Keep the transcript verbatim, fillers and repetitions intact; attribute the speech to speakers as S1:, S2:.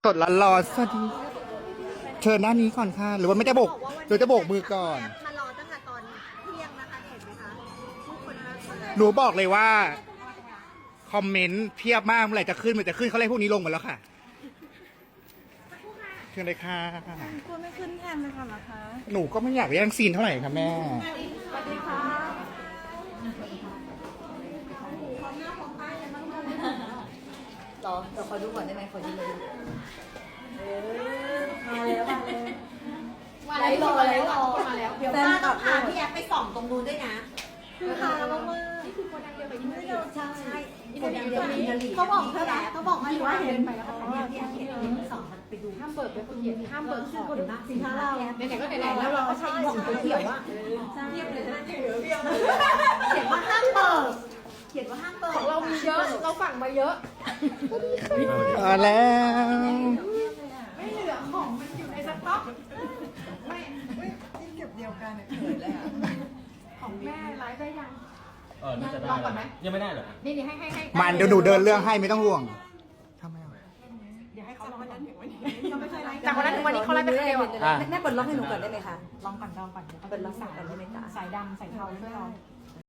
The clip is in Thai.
S1: สดร้อนๆสวัสดีเชิญหน้านี้ก่อนค่ะ หรือว่าไม่ได้โบกหรือจะโบกมือก่อน
S2: มารอตั้งแต่ตอนเที่ยงนะคะเห็นไหมคะทุกคนมา
S1: หนูบอกเลยว่า คอมเมนต์เพียบมากเมื่อไหร่จะขึ้นเมื่อจะขึ้นเขาเลยพวกนี้ลงหมดแล้วค่ะเชิญเลยค่ะ
S2: กลัวไม่ขึ้นแทนนะคะเหรอคะ
S1: หนูก็ไม่อยากแย่งซีนเท่าไหร่ค่ะแม่
S2: สวัสดีค่ะรอเราขอดูก่อนได้ไหมขอดูเลยเออมาแล้วมาแล้วมาแล้วรอมาแล้วเดี๋ยวป้าต้องพาพี่แอฟไปส่องตรงนู้นด้วยนะคือพาเรามากๆนี่คือโกดังเดียวกับอินเทอร์เน็ตใช่ใช่อินเทอร์เน็ตเดียวกับอินเทอร์เน็ตเขาบอกเท่าไหร่เขาบอกมาว่าเห็นไปแล้วเนี่ยพี่แอฟเห็นสองมันไปดูห้ามเปิดไปคนเดียวห้ามเปิดชื่อคนนะสินค้าเราไหนๆก็ไหนๆแล้วเราก็ใช้อีกสีเขียวอ่ะเทียบเลยนะเขียวเบี้ยวเขียนว่าห้ามเปิดเขียนว่าห้ามเปิดของเรามีเยอะเราสั่งมาเยอะ
S1: มาแล้ว
S2: ไม่เหลือของมันอยู่ในสต็อกไม่ที่เก็บเดียวกันเนี่ยเขินเลยอ่ะของแม่ไลฟ์ได้ยัง
S3: เออน่าจะได้แล้วนะยังไม่ได้เหรอ
S2: นี่นี่ให้ให้ให้
S1: มันเดี๋ยวหนูเดินเรื่องให้ไม่ต้องห่วงทำไมอ่ะ
S2: เดี๋ยวให้เขาลองวันนั้นถึงวันนี้เขาไม่ใช่ไลฟ์
S4: จากวันนั้นถึงวันนี้เขาไลฟ์ไปคนเดียวอะ
S1: อ่ะ
S4: แม่เปิดล็อกให้หนูก่อนได้ไหมคะ
S2: ลองก่อนลองก่อน
S4: เปิดล็อกสายก่อนได้ไหมจ๊ะ
S2: สายดำสายเทาไม่ลอง